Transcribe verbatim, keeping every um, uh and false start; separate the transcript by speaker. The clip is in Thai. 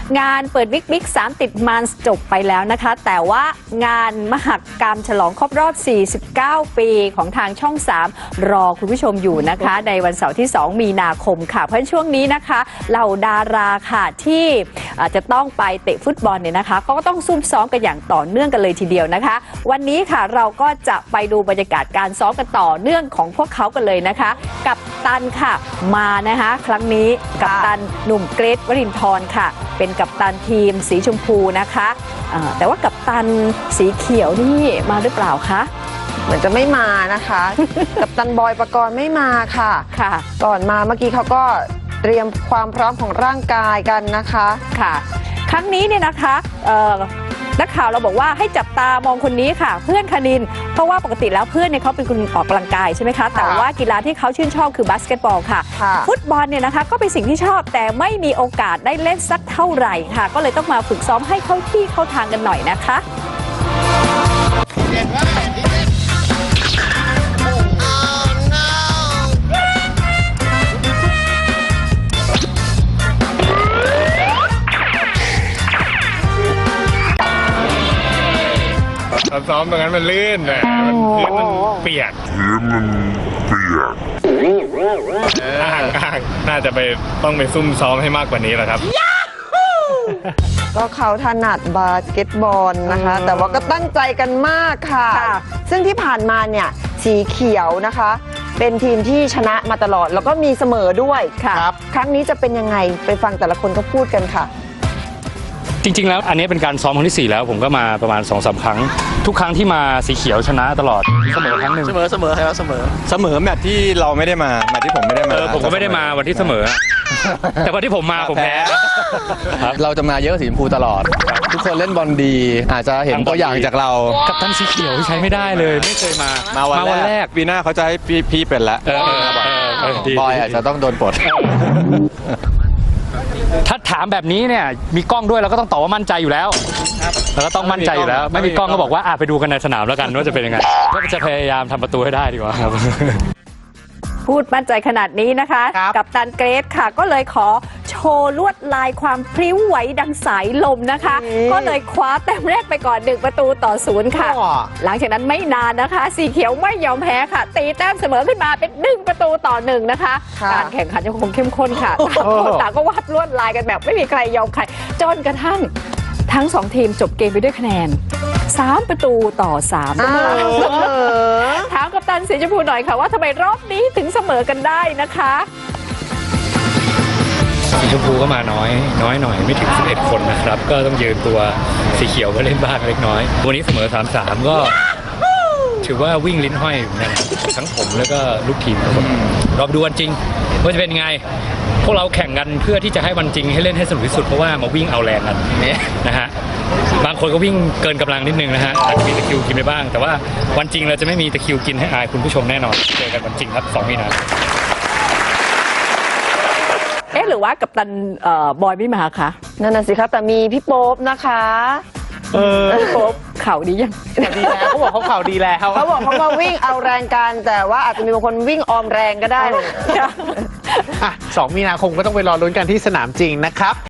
Speaker 1: งานเปิดวิกบิ๊กสามติดมันจบไปแล้วนะคะแต่ว่างานมหกรรมฉลองครบรอบสี่สิบเก้าปีของทางช่องสามรอคุณผู้ชมอยู่นะคะในวันเสาร์ที่สองมีนาคมค่ะเพราะช่วงนี้นะคะเหล่าดาราค่ะที่จะต้องไปเตะฟุตบอลเนี่ยนะคะเขาก็ต้องซุ่มซ้อมกันอย่างต่อเนื่องกันเลยทีเดียวนะคะวันนี้ค่ะเราก็จะไปดูบรรยากาศการซ้อมกันต่อเนื่องของพวกเขากันเลยนะคะกัปตันค่ะมานะคะครั้งนี้กัปตันหนุ่มเกรทวรินทร์ค่ะเป็นกัปตันทีมสีชมพูนะคะแต่ว่ากัปตันสีเขียวนี่มาหรือเปล่าคะ
Speaker 2: เหมือนจะไม่มานะคะ กัปตันบอยปกรณ์ไม่มาค่ะค่ะก่อนมาเมื่อกี้เขาก็เตรียมความพร้อมของร่างกายกันนะคะ
Speaker 1: ค่ะครั้งนี้เนี่ยนะคะนักข่าวเราบอกว่าให้จับตามองคนนี้ค่ะเพื่อนคณินเพราะว่าปกติแล้วเพื่อนเนี่ยเขาเป็นคนออกกำลังกายใช่ไหมคะแต่ว่ากีฬาที่เขาชื่นชอบคือบาสเกตบอลค่ะฟุตบอลเนี่ยนะคะก็เป็นสิ่งที่ชอบแต่ไม่มีโอกาสได้เล่นสักเท่าไหร่ค่ะก็เลยต้องมาฝึกซ้อมให้เข้าที่เข้าทางกันหน่อยนะคะ
Speaker 3: ซ้อมตรงนั้นมันลื่นเลยพื้นมันเปียกพื้นมันเปียกห่างๆน่าจะไปต้องไปซุ่มซ้อมให้มากกว่านี้แหละครับ
Speaker 2: ก็เขาถนัดบาสเกตบอลนะคะแต่ว่าก็ตั้งใจกันมากค่ะซึ่งที่ผ่านมาเนี่ยสีเขียวนะคะเป็นทีมที่ชนะมาตลอดแล้วก็มีเสมอด้วยครับครั้งนี้จะเป็นยังไงไปฟังแต่ละคนก็พูดกันค่ะ
Speaker 4: จริงๆแล้วอันนี้เป็นการซ้อมครั้งที่สี่แล้วผมก็มาประมาณ สองสาม ครั้งทุกครั้งที่มาสีเขียวชนะตลอดเสมอครั้งหนึ่ง
Speaker 5: เสมอเสมอครับเสมอเสมอแมตช์ที่เราไม่ได้มาแมตช์ที่ผมไม่ได้มา
Speaker 4: เออผมก็ไม่ได้มาวันที่เสมอแต่วันที่ผมมาผมแพ้
Speaker 5: เราจะมาเยอะสีชมพูตลอดทุกคนเล่นบอลดีอาจจะเห็นตัวอย่างจากเรา
Speaker 4: กับท่านสีเขียวใช้ไม่ได้เลยไม่เคยมา
Speaker 5: มาวันแรกปีหน้าเขาจะให้พี่เป็นแล้วบอยอาจจะต้องโดนปลด
Speaker 4: ถ้าถามแบบนี้เนี่ยมีกล้องด้วยเราก็ต้องตอบว่ามั่นใจอยู่แล้วเราก็ต้องมั่นใจอยู่แล้วไม่มีกล้องก็บอกว่าอ่ะไปดูกันในสนามแล้วกันว่าจะเป็นยังไงก็จะพยายามทำประตูให้ได้ดีกว่าครับ
Speaker 1: พูดมั่นใจขนาดนี้นะคะกัปตันเกรทค่ะก็เลยขอโชว์ลวดลายความพริ้วไหวดังสายลมนะคะก็เลยคว้าแต้มแรกไปก่อนหนึ่งประตูต่อศูนย์ค่ะหลังจากนั้นไม่นานนะคะสีเขียวไม่ยอมแพ้ค่ะตีแต้มเสมอขึ้นมาเป็นหนึ่งประตูต่อหนึ่งนะคะการแข่งขันยังคงเข้มข้นค่ะต่างก็วาดลวดลายกันแบบไม่มีใครยอมใครจนกระทั่งทั้งสองทีมจบเกมไปด้วยคะแนนสามประตูต่อสามนะคะถามกัปตันสีชมพูหน่อยค่ะว่าทำไมรอบนี้ถึงเสมอกันได้นะคะ
Speaker 4: สีชมพูก็มาน้อยน้อยหน่อยไม่ถึงสิบเอ็ดคนนะครับก็ต้องยืนตัวสีเขียวก็เล่นบ้างเล็กน้อยวันนี้เสมอ สามสาม ก็ถือว่าวิ่งลิ้นห้อยนั่นทั้งผมแล้วก็ลูกทีมรอบดูวันจริงว่าจะเป็นยังไงพวกเราแข่งกันเพื่อที่จะให้วันจริงให้เล่นให้สนุกที่สุดเพราะว่ามาวิ่งเอาแรงกันนะฮะบางคนก็วิ่งเกินกำลังนิดนึงนะฮะอาจจะมีตะคิวกินไปบ้างแต่ว่าวันจริงเราจะไม่มีตะคิวกินให้อายคุณผู้ชมแน่นอนเจอกันวันจริงครับสองมีนา
Speaker 1: เอ๊ะหรือว่ากัปตันบอยไม่มาคะ
Speaker 2: นั่นน่ะสิครับแต่มีพี่โป๊ปนะคะ
Speaker 1: เออพี่โป๊ปข่าวดียัง
Speaker 5: ดีแล้วเขาบอกเขาข่าวดีแล้ว
Speaker 2: เขาบอกเขามาวิ่งเอาแรงกันแต่ว่าอาจจะมีบางคนวิ่งออมแรงก็ได้
Speaker 5: อ่ะสองมีนาคมก็ต้องไปรอลุ้นกันที่สนามจริงนะครับ